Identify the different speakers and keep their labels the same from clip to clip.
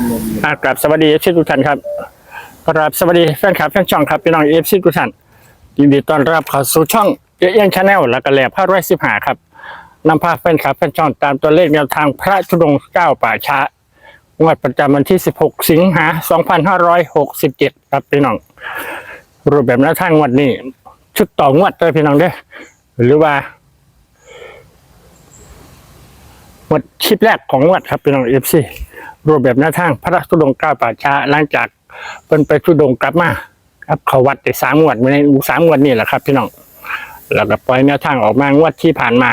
Speaker 1: กราบสวัสดีเอฟซีทุกท่านครับกราบสวัสดีแฟนคลับแฟนช่องครับพี่น้องเอฟซีทุกท่านยินดีต้อนรับเข้าสู่ช่องเอียงชาแนลและก็แหล่ผ้า115ครับนำพาแฟนคลับแฟนช่องตามตัวเลขแนวทางพระธุดงค์9ป่าช้างวดประจำวันที่16สิงหาคม2567ครับพี่น้องรูปแบบแนวทางงวดนี้ชุดต่องวดเลยพี่น้องเด้อหรือว่างวดคลิปแรกของงวดครับพี่น้องเอฟซีรูปแบบแนวทางพระธุดงค์9ป่าช้าหลังจากเป็นไปธุดงค์กลับมาครับเขาวัดได้3 งวดใน3 งวดนี่แหละครับพี่น้องแล้วก็ปล่อยแนวทางออกมางวดที่ผ่านมา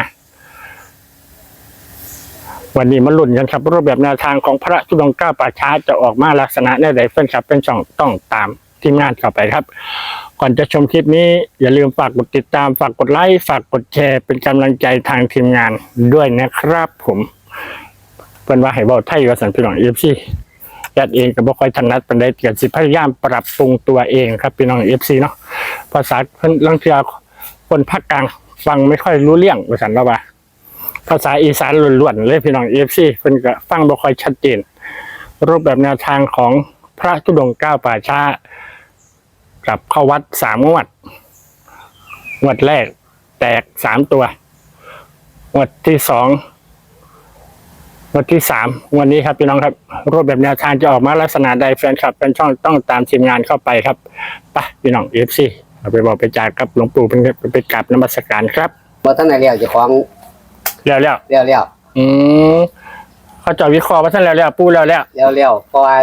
Speaker 1: วันนี้มาลุ้นกันครับรูปแบบแนวทางของพระธุดงค์9ป่าช้าจะออกมาลักษณะใดแฟนคลับเป็นช่องต้องตามทีมงานเข้าไปครับก่อนจะชมคลิปนี้อย่าลืมฝากกดติดตามฝากกดไลค์ฝากกดแชร์เป็นกำลังใจทางทีมงานด้วยนะครับผมเป็นว่าให้เบาไทยกับสันพี่น้องเอฟซียัดเองกับบ่ค่อยถนัดเป็นได้เกียรติพยายามปรับปรุงตัวเองครับพี่น้องเอฟซีเนาะภาษาเพิ่นลังเทียคนภาคกลางฟังไม่ค่อยรู้เรื่องว่าสันแล้วว่าภาษาอีสานล้วนๆเลยพี่น้องเอฟซีเพิ่นก็ฟังบ่ค่อยชัดเจนรูปแบบแนวทางของพระธุดงค์9ป่าช้ากับเข้าวัด3 งวดงวดแรกแตก3 ตัวงวดที่2งวดที่3วันนี้ครับพี่น้องครับรูปแบบแนวทางจะออกมาลักษณะใดแฟนคลับเป็นช่องต้องตามทีมงานเข้าไปครับไปพี่น้องFCเอาไปบอกไปจ่ายกับหลวงปู่เป็นไปกราบนมัสการครับ
Speaker 2: บ่ท่านไหนเรียกเจ้าของ
Speaker 1: เลี้ยวเขาจะวิเคราะห์ว่าท่านแล้วปู่แล้ว
Speaker 2: เพราะว่า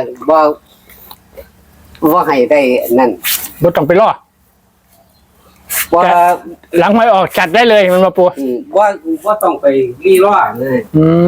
Speaker 2: บ่ให้ได้นั่น
Speaker 1: บ่ต้องไปรอ
Speaker 2: ว่า
Speaker 1: หลังไม่ออกจัดได้เลยมันมาปู่
Speaker 2: ว่าต้องไปรีรอเลย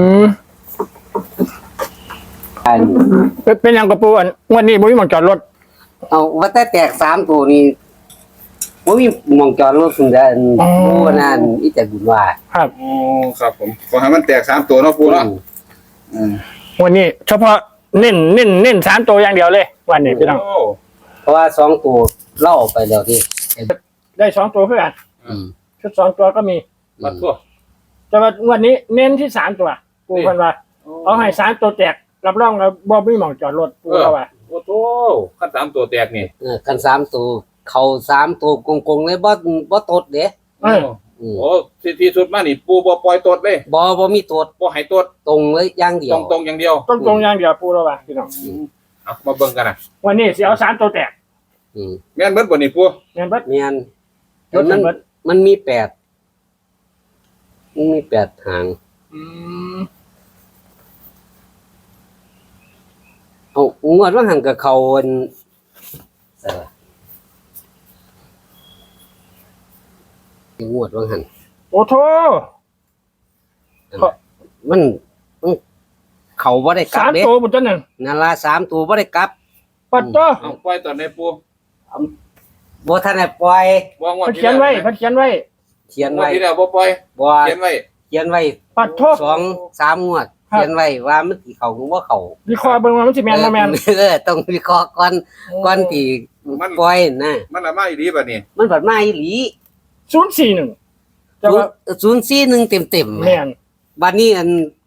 Speaker 1: เป็นยังกับปู่อันวันนี้บ่มีหม้องจอดรถ
Speaker 2: เอาว่าแต่แตก3 ตัวนี้บ่มีหม้องจอดรถพุ่นได้ปู่นั่นอีแต่บุญว่า
Speaker 1: ครับ
Speaker 3: ครับผมขอให้มันแตก3 ตัวเนาะปู่เนาะ
Speaker 1: วันนี้เฉพาะเน้น3 ตัวอย่างเดียวเลยวันนี้พี่น้อง
Speaker 2: เพราะว่า2 ตัวเล่าไปแล้วที่
Speaker 1: ได้2 ตัวเพื่อนชุด2 ตัวก็มี
Speaker 3: มาทั่ว
Speaker 1: แต่ว่าวันนี้เน้นที่3 ตัวปู่เพิ่นว่าเอาให้3 ตัวแตกรับรองแล้วบ่มีหม้องจอดรถปู่เขาว่า
Speaker 3: โอ้โธ่คัน3 ตัวแตกนี่
Speaker 2: คัน3 ตัวเข้า3 ตัวกงๆเลยบ่ตดเด้
Speaker 3: โอ้ที่สุดมานี่ปู่บ่ปล่อยตดเลย
Speaker 2: บ่มีตด
Speaker 3: บ่ให้ตด
Speaker 2: ตรงเลยอย่างเดียว
Speaker 3: ตรงอย่างเดียว
Speaker 1: ตรงอย่างเดียวปู่แล้วว่าพี่น้อง
Speaker 3: เอามาเบิ่งกันนะ
Speaker 1: วันนี้สิเอา3 ตัวแตก
Speaker 3: แม่นเบิดบ่นี่ปู่
Speaker 1: แม่นเบิด
Speaker 2: มันมี8หางเอางวดว่าหันกับเขางวดว่าหัน
Speaker 1: โอ้โธ่
Speaker 2: มันเขาบ่ได้กลับ
Speaker 1: เด้3 ตัวบ่จังนั่น
Speaker 2: นั่นล่ะ3 ตัวบ่ได้กลับ
Speaker 1: ปัดโต
Speaker 3: เอาปล่อยตอนไหนปู่
Speaker 2: บ่ทันได้ปล่อย
Speaker 1: เขียนไว้
Speaker 3: ที่แล้วบ่ปล่อยเขียนไว้
Speaker 1: ปัดโทษ
Speaker 2: 2-3 งวดเขียนไว้ว่ามันสิเข้าหรือบ่เข้า
Speaker 1: วิเคราะห์เบิ่งว่ามันสิแม่นบ่แม่น
Speaker 2: ต้องวิเคราะห์ก่อนที่ปล่อยนะ
Speaker 3: มันละมาอีหลีบัดนี้
Speaker 2: มันบัดมาอีหลี
Speaker 1: 041แต่ว่า
Speaker 2: 041เต็มๆ
Speaker 1: แม่น
Speaker 2: บัดนี้อัน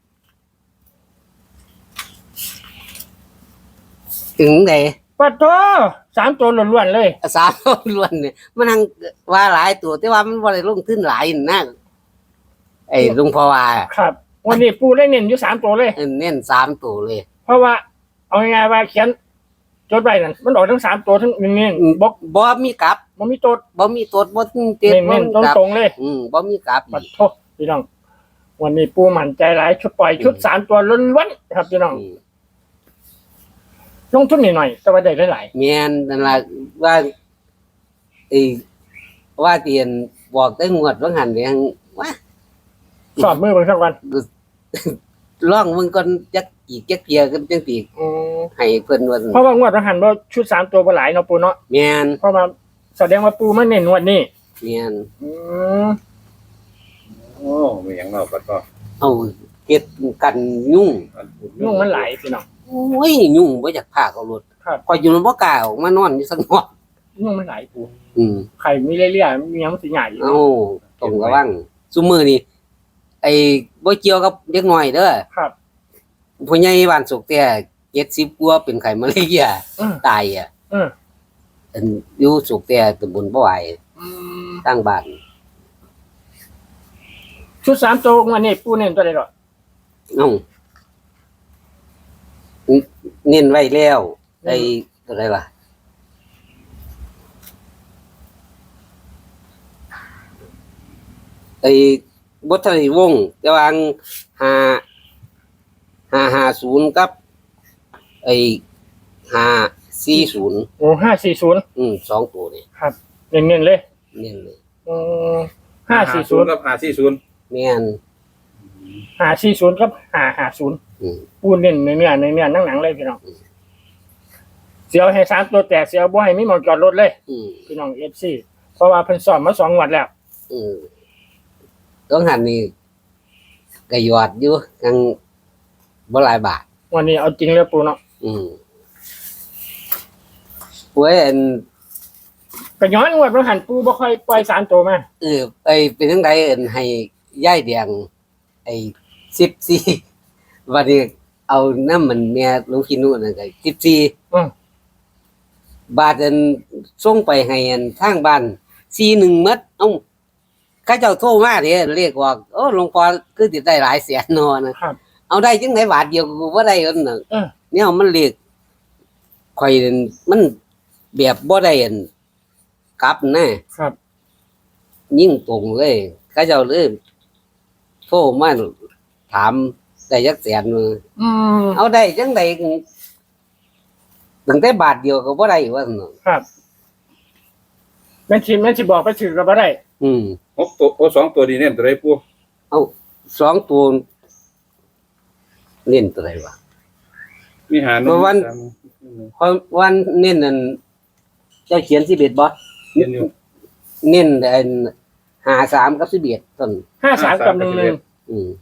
Speaker 2: ถึงได
Speaker 1: ปัดโต3 ตัวล้วนๆเลย
Speaker 2: 3 ตัวล้วนเนี่ยมันทั้งว่าหลายตัวแต่ว่ามันบ่ได้ลงทุนหลายนะไอ้ลุงพ่อว่า
Speaker 1: ครับวันนี้ปู่ได้เน้นอยู่3 ตัวเลย
Speaker 2: เน้น3 ตัวเลย
Speaker 1: เพราะว่าเอาง่ายๆว่าเขียนจดไว้นั่นมันออกทั้ง3 ตัวทั้งเน้น
Speaker 2: บ่มีกลับ
Speaker 1: บ่มีตด
Speaker 2: บ่เต็ม
Speaker 1: เน้นตรงๆเลย
Speaker 2: บ่มีกลับ
Speaker 1: ปัดโทษพี่น้องวันนี้ปู่มั่นใจหลายชุดปล่อยชุด3 ตัวล้วนๆครับพี่น้องลงทุนหน่อยๆแต่ว่าได้หลาย
Speaker 2: ๆแม่นนั่นล่ะว่าว่าเตียนบอกได้งวดว่าหันแรงว่า
Speaker 1: สอบมือเบิ่งสักวัน
Speaker 2: ลองมึงก่อนจักอีกจักเกียกันจังสิให้เพิ่นว่า
Speaker 1: เพราะว่างวดว่าหันบ่ชุด3 ตัวบ่หลายเนาะปู่เนาะ
Speaker 2: แม่น
Speaker 1: เพราะว่าแสดงว่าปู่มาเน้นงวดนี้
Speaker 2: แม่น
Speaker 3: โอ้มีหยังเนาะบัดก็
Speaker 2: เอาเฮ็ดกันยุ่ง
Speaker 1: มันหลายพี่น้อง
Speaker 2: โอ้ยยุ่งบ่อยากพาเขารถพออยู่บ่กล้าออกมานอนอยู่สักหน่อย
Speaker 1: ยุ่งมันหลายปู่ไข่มีเรื่อยๆมีหยังสิใหญ่อยู่
Speaker 2: ต้องระวังซุมื้อนี้ไอ้บ่เกี่ยวกับเด็กน้อยเด้อ
Speaker 1: ครับ
Speaker 2: ผู้ใหญ่บ้านสุกแต่ 70กว่าเป็นไข้มาเรีย
Speaker 1: อืม
Speaker 2: ตายอ่ะ
Speaker 1: อืม
Speaker 2: อันอยู่สุกแต่ตำบลบ่ไหว
Speaker 1: อืม
Speaker 2: ตั้งบ้าน
Speaker 1: ชุด3ตัววันนี้ปูเน้นตัวใดดอก
Speaker 2: เอ้าเน้นไว้แล้วไอ้อะไรล่ะไอ้บ่ทันได้วงแต่ว่า550กับไอ้540
Speaker 1: โอ้540
Speaker 2: 2ตัวนี่
Speaker 1: ครับเน้นๆเลย
Speaker 2: เน้นเลย
Speaker 1: อืม540
Speaker 3: กับ540
Speaker 2: แม่น
Speaker 1: 540กับ550
Speaker 2: อืม
Speaker 1: ปูเน้นในเนื้อหนังเลยพี่น้องเสียวให้3ตัวแตกเสียวบ่ให้มีหมองจอดรถเลย
Speaker 2: อืม
Speaker 1: พี่น้อง FC เพราะว่าเพิ่นสอนมา2งวดแล้ว
Speaker 2: ต้องหันนี่ก็ยอดอยู่ยังบ่หลายบาท
Speaker 1: วันนี้เอาจริงเลยปูเนาะ
Speaker 2: ป่วยอัน
Speaker 1: ก็ย้อนงวดบ่หันปูบ่ค่อยปล่อย3ตัวมา
Speaker 2: ไอ้เป็นจังไดอันให้ยายแดงไอ้14วันนี้เอาน้ำมันแม่ลุงขี้นู่นนั่นก็14
Speaker 1: อืม
Speaker 2: บาทอันส่งไปให้อันทางบ้าน41หมดเอ้าเขาเจ้าโทรมาเด้เรียกว่าโอ้หลวงพ่อคือสิได้หลายแสนเนาะนะครับ เอาได้จังไดบาทเดียวก็บ่ได้อันน่ะ เนี่ยมันเรียกข่อยนั่นมันแบบบ่ได้อันกลับนะครับ ยิ่งตรงเลยเขาเจ้าเลยโทรมาถามได้จักแสนมือ
Speaker 1: อืม
Speaker 2: เอาได้จังไดตั้งแต่บาทเดียวก็บ่ได้ว่าซั่นเนาะ
Speaker 1: ครับแม่นสิบอกไปถือก็บ่ได้
Speaker 3: 6ตัวโอ้2ตัวดีเน้นตัวใดปู
Speaker 2: เอา2ตัวเน้นตัวใดวะ
Speaker 3: มีหา
Speaker 2: เพราะวัน เพราะวันเน้นนั่นเจ้าเขียน11บ่
Speaker 3: เน้นอยู่
Speaker 2: เน้นอัน53กับ11ต้น
Speaker 1: 53กับ11
Speaker 2: อืม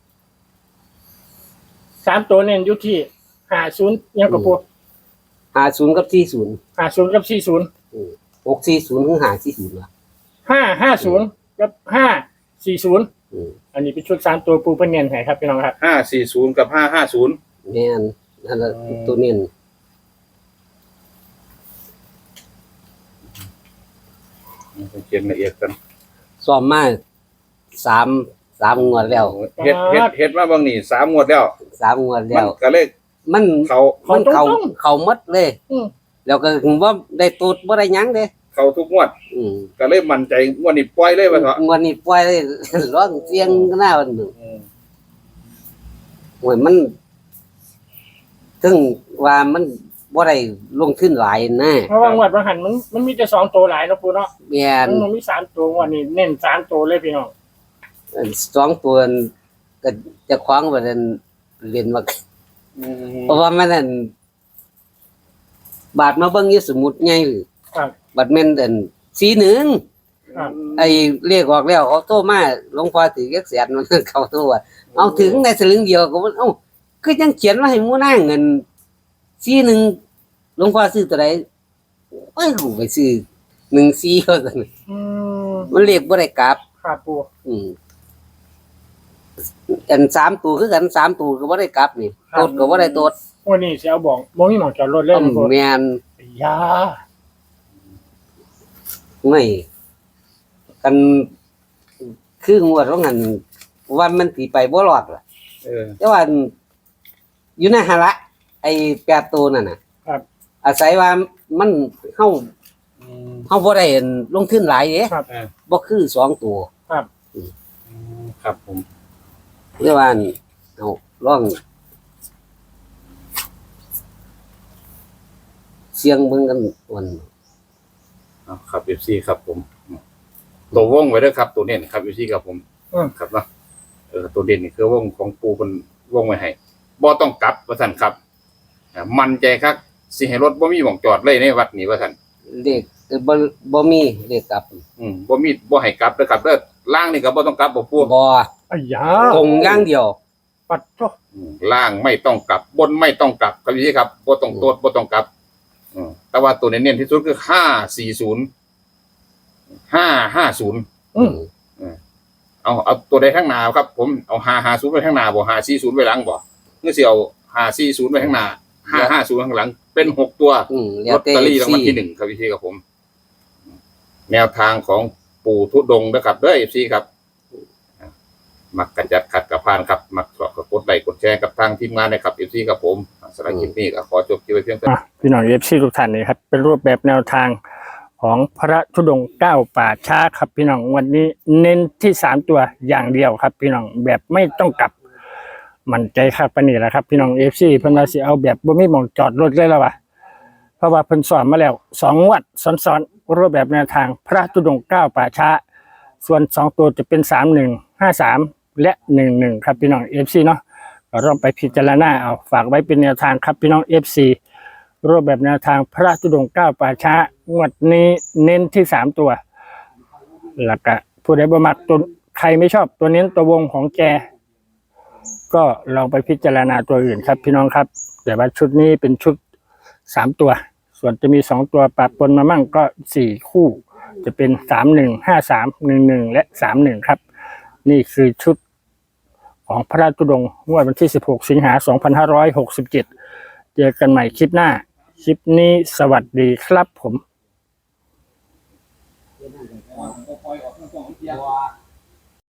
Speaker 1: 3ตัวเน้นอยู่ที่50ยังกับปู
Speaker 2: 50กับ40
Speaker 1: 50กับ40
Speaker 2: 640ถึง540ว่ะ
Speaker 1: 550กับ540
Speaker 2: อืม
Speaker 1: อันนี้เป็นชุด3ตัวปูเพิ่นเน้นให้ครับพี่น้องครับ
Speaker 3: 540กับ550
Speaker 2: แม่นนั่นล่ะตัวเน้น
Speaker 3: เขียนละเอียดกัน
Speaker 2: ซ้อมมา3งวดแล้ว
Speaker 3: เฮ็ดมาบางนี่3งวดแล้ว
Speaker 2: 3งวด
Speaker 3: มั
Speaker 2: แล้
Speaker 3: น
Speaker 2: ว
Speaker 3: ก็เลย
Speaker 2: มัน
Speaker 3: เขา
Speaker 2: มันเข้าหมดเลย
Speaker 1: อืม
Speaker 2: แล้วก็บ่ได้ตูดบ่ได้หยังเด้
Speaker 3: เขาทุกงวด
Speaker 2: อืม
Speaker 3: ก็เลยมั่นใจงวดนี้ปล่อยเลยว่าเถอะ
Speaker 2: งวดนี้ปล่อยเลย ร้องเสียงหน้ามันหนึ่งโอ้ยมันถึงว่ามันบ่ได้ลงทุนหลายนะ
Speaker 1: เพราะว่างวดบ่หันมันมีแต่2ตัวหลายเนาะปูเนาะ
Speaker 2: แม่น
Speaker 1: มันมี3ตัวงวดนี้เน้น3ตัวเลยพี่น้อง
Speaker 2: 2ตัวก็จะคว้างว่านั้นเรียนว่าเพราะว่ามันนั่นบาทมาเบิ่งอยู่สมุดใหญ่
Speaker 1: ครับ
Speaker 2: บัดแม่นอัน41
Speaker 1: ครับ
Speaker 2: ไอ้เรียกออกแล้วเขาโทรมาหลวงพ่อถือจักแสนมันเขาโทรว่าเอาถึงในสลึงเดียวก็มันเอ้าคือยังเขียนว่าให้หมู่นางเงิน41หลวงพ่อซื้อตัวใดเอ้ยกูไปซื้อ14ก็ซั่น
Speaker 1: อืม
Speaker 2: มันเรียกบ่ได้กลับ
Speaker 1: ครับปู
Speaker 2: อืมอัน3ตัวคือกัน3ตัวก็บ่ได้กลับนี่ตดก็บ่ได้ตด
Speaker 1: วันนี้สิเอาบอกบ่มีหมองจอดรถเลยนะปู
Speaker 2: แม่น
Speaker 1: ยา
Speaker 2: ไม่กันคืองวดว่างั้นว่ามันสิไปบ่รอดล่ะ แต่ว่าอยู่ในหาละไอ้8ตัวนั่นน่ะ
Speaker 1: ครับ
Speaker 2: อาศัยว่ามันเฮาบ่ได้ลงทุนหลายเด้
Speaker 1: ครับ
Speaker 2: บ่คือ2ตัว
Speaker 3: ครับผม
Speaker 2: เรียกว่าเอาลองเสียงเบิ่งกันวัน
Speaker 3: ครับ FC ครับผมตัววงไว้ด้วยครับตัวเน้นครับ FC ครับผมครับเนาะตัวเด่นนี่คือวงของปูเพิ่นวงไว้ให้บ่ต้องกลับว่าซั่นครับมั่นใจครับสิให้รถบ่มีหม่องจอดเลยในวัดนี้ว่าซั่น
Speaker 2: เลขบ่มีเลขกลับ
Speaker 3: บ่มีบ่ให้กลับเด้อครับเด้อล่างนี่ก็บ่ต้องกลับบ่ปู
Speaker 2: บ่
Speaker 1: อ้ยา
Speaker 2: ตรงอย่างเดียว
Speaker 1: ปัดโต
Speaker 3: ล่างไม่ต้องกลับบนไม่ต้องกลับครับพี่ครับบ่ต้องโตดบ่ต้องกลับแต่ว่าตัวเน้นๆที่สุดคือ540 550
Speaker 1: อืม
Speaker 3: เอาตัวใดข้างหน้าครับ ผมเอา550ไว้ข้างหน้าบ่540ไว้หลังบ่คือสิเอา540ไว้ข้างหน้า 550ข้างหลังเป็น6 ตัว
Speaker 2: แล้
Speaker 3: ล
Speaker 2: ว
Speaker 3: อต
Speaker 2: แต่
Speaker 3: เตอรี่รางวัล
Speaker 2: FC
Speaker 3: ที่ 1ครับพี่ครับผม แนวทางของปู่ทุดงค์นะครับเด้อ FC ครับมักกระจัดขัดกับพานครับมักกดไลค์กดแชร์กับทางทีมงานนะครับ FC ครับผมสำหรับคลิปนี้ก็ขอจบคลิปไว้เพียงเท่านี้
Speaker 1: พี่น้องเอฟซีทุกท่านนี่ครับเป็นรูปแบบแนวทางของพระธุดงค์9ป่าช้าครับพี่น้องวันนี้เน้นที่3ตัวอย่างเดียวครับพี่น้องแบบไม่ต้องกลับมั่นใจครับปานนี้แหละครับพี่น้องเอฟซีเพิ่นว่าสิเอาแบบบ่มีหม่องจอดรถเลยแล้ววะเพราะว่าเพิ่นสอนมาแล้ว2 งวดซ้อนๆรูปแบบแนวทางพระธุดงค์9ป่าช้าส่วน2ตัวจะเป็น3153และ11ครับพี่น้อง FC เนาะก็ลองไปพิจารณาเอาฝากไว้เป็นแนวทางครับพี่น้อง FC รูปแบบแนวทางพระธุดงค์9ป่าช้างวดนี้เน้นที่3ตัวแล้วก็ผู้ใดบ่มักตัวใครไม่ชอบตัวเน้นตัววงของแกก็ลองไปพิจารณาตัวอื่นครับพี่น้องครับแต่ว่าชุดนี้เป็นชุด3ตัวส่วนจะมี2ตัวปะปนมามั่งก็4คู่จะเป็น31 53 11และ31ครับนี่คือชุดของพระธุดงค์งวดวันที่16สิงหาคม2567เจอกันใหม่คลิปหน้าคลิปนี้สวัสดีครับผม
Speaker 2: ว้า